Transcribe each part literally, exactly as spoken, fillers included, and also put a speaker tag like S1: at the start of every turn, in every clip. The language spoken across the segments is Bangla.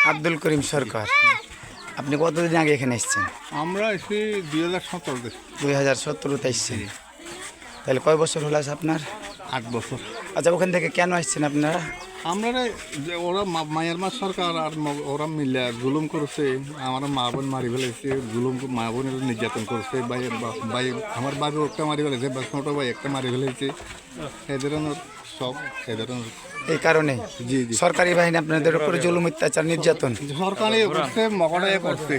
S1: আব্দুল করিম সরকার। আপনি কতদিন আগে এখানে এসেছেন?
S2: আমরা এসে দুই হাজার সতেরোতে
S1: দুই হাজার সতেরোতে এসেছেন। তাহলে কয় বছর হলো আছে আপনার?
S2: আট বছর।
S1: আচ্ছা, ওখান থেকে কেন আসছেন আপনারা?
S2: আমরা রে- যে ওরা মা- মায়ানমার সরকার আর ম- ওরা মিলে জুলুম করছে, আমার মা বোন মারি ফেলেছে, জুলুম মা বোনের নির্যাতন করছে, ভাই বা- ভাই আমার বাবু একটা মারি ফেলেছে, বা ছোটো ভাই একটা মারি ফেলেছে, এ ধরনের সব এ ধরনের।
S1: এই কারণে
S2: জি জি
S1: সরকারি বাহিনী আপনাদের উপরে জুলুম, অত্যাচার, নির্যাতন,
S2: সরকারি করছে, মকড়াই করছে।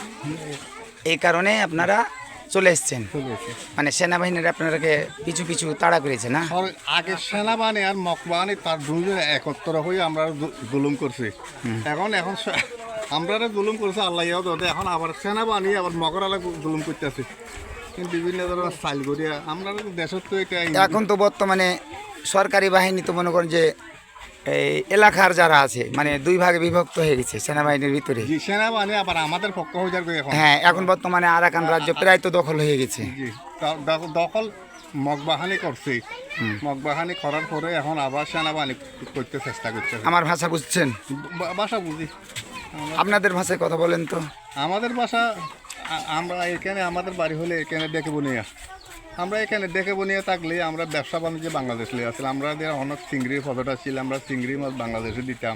S1: এই কারণে আপনারা চলে এসেছেন।
S2: ঠিক আছে।
S1: মানে সেনাবাহিনীর আপনাদেরকে পিছু পিছু তাড়া করেছে না?
S2: সর- আগে সেনাবাহিনী আর মকবাহিনী তার দুজন একত্র হয়ে আমরা জু- জুলুম করছি। এখন এখন স- আমরা জুলুম করছে আল্লাহ ইয়াদ ওদের, এখন আবার সেনাবাহিনী আবার মকরালা জুলুম করতেছে। কিন্তু বিভিন্ন ধরনের স্টাইল করিয়া আমরা দেশের তো এটা
S1: এখন তো বর্তমানে সরকারি বাহিনী তো মনে করেন যে এই এলাকার যারা আছে মানে দুই ভাগে বিভক্ত হয়ে গেছে সেনাবাহিনীর ভিতরে।
S2: জি সেনাবাহিনী আবার আমাদের পক্ষ হয়ে যাবে এখন।
S1: হ্যাঁ, এখন বর্তমানে আরাকান রাজ্য প্রায় তো দখল হয়ে গেছে।
S2: জি দ- দ- দখল মগবাহানি করছে, মগবাহানি করার পরে এখন আবার সেনাবাহিনী করতে চেষ্টা করছে।
S1: আমার ভাষা বুঝছেন?
S2: বা- ভাষা বুঝি।
S1: আপনাদের ভাষায় কথা বলেন তো।
S2: আমাদের বাসা আ- আমরা এখানে আমাদের বাড়ি হলে এখানে ডেকে বনিয়া, আমরা এখানে ডেকে বনিয়া থাকলে আমরা ব্যবসা বাণিজ্য বাংলাদেশ লিয়ে আসলে আমাদের অনেক চিংড়ি পদটা ছিল, আমরা চিংড়ি মাছ বাংলাদেশে দিতাম।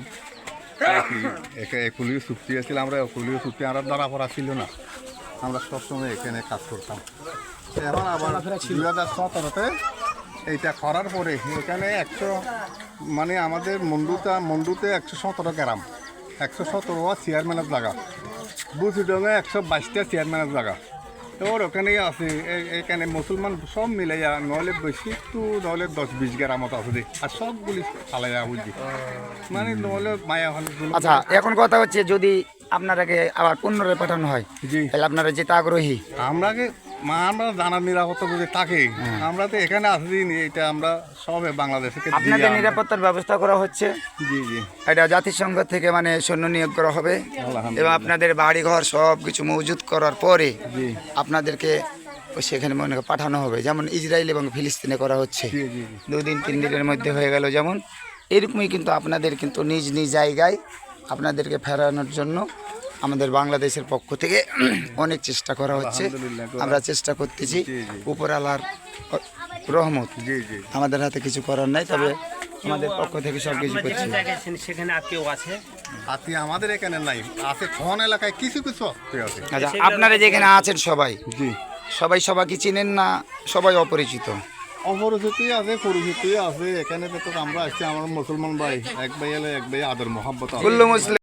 S2: একুলিও চুক্তি আছিল, আমরা একুলিও চুক্তি আমরা ধরা পড়া ছিল না, আমরা সবসময় এখানে কাজ করতাম। এখন আবার দুই হাজার সতেরোতে এইটা করার পরে এখানে একশো মানে আমাদের মন্ডুতা মন্ডুতে একশো সতেরো গ্রাম, একশো সতেরো চেয়ারম্যানের জায়গা, বুঝিডঙ্গে একশো বাইশটা চেয়ারম্যানের জায়গা। তো ওর ওখানেই আছে এ- এখানে মুসলমান সব মিলাইয়া নইলে বেশি তো নইলে দশ বিশ গ্রামত আছে দে, আর সবগুলি ফালাইয়া বুঝি মানে নইলে মায়া হল।
S1: আচ্ছা, এখন কথা হচ্ছে যদি আপনারাকে আবার পুনরায় পাঠানো হয়
S2: জি
S1: তাহলে আপনারা যেতে আগ্রহী?
S2: আমরাকে মা আমরা জানার নিরাপত্তা বুঝে থাকে, আমরা তো এখানে আসি নি, এটা আমরা সবে বাংলাদেশে দিয়ে
S1: আপনাদের
S2: আমরা-
S1: নিরাপত্তার ব্যবস্থা করা হচ্ছে।
S2: জি জি
S1: এটা জাতিসংঘ থেকে মানে সৈন্য নিয়োগ করা হবে এবং
S2: আলহামদুলিল্লাহ।
S1: আপনাদের বাড়িঘর সব কিছু মজুত করার পরে
S2: জি
S1: আপনাদেরকে ওই সেখানে মনে করেন পাঠানো হবে, যেমন ইসরায়েল এবং ফিলিস্তিনে করা হচ্ছে।
S2: জি জি জি
S1: দুই দিন তিন দিনের মধ্যে হয়ে গেল, যেমন এরকমই কিন্তু আপনাদের কিন্তু নিজ নিজ জায়গায় আপনাদেরকে ফেরানোর জন্য আমাদের বাংলাদেশের পক্ষ থেকে অনেক চেষ্টা করা হচ্ছে।
S2: আলহামদুলিল্লাহ।
S1: আমরা চেষ্টা করতেছি,
S2: জি, জি।
S1: উপরওয়ালার রহমত,
S2: জি জি
S1: আমাদের হাতে কিছু করার নাই, তবে আমাদের পক্ষ থেকে সব কিছু করছি।
S3: সেখানে আর কেউ আছে?
S2: আতি আমাদের এখানে নাই, আছে কোন এলাকায় কিছু কিছু আত্মীয় আছে।
S1: আচ্ছা, আপনারা যেখানে আছেন সবাই
S2: জি
S1: সবাই সবাইকে চিনেন না? সবাই অপরিচিত?
S2: অপরিচিত আছে, পরিচিত আছে। এখানে তো আমরা আসছি, আমার মুসলমান ভাই এক ভাই এলে এক ভাই আদর মোহাম্মত আছে।
S1: কুল্লু মুসলিম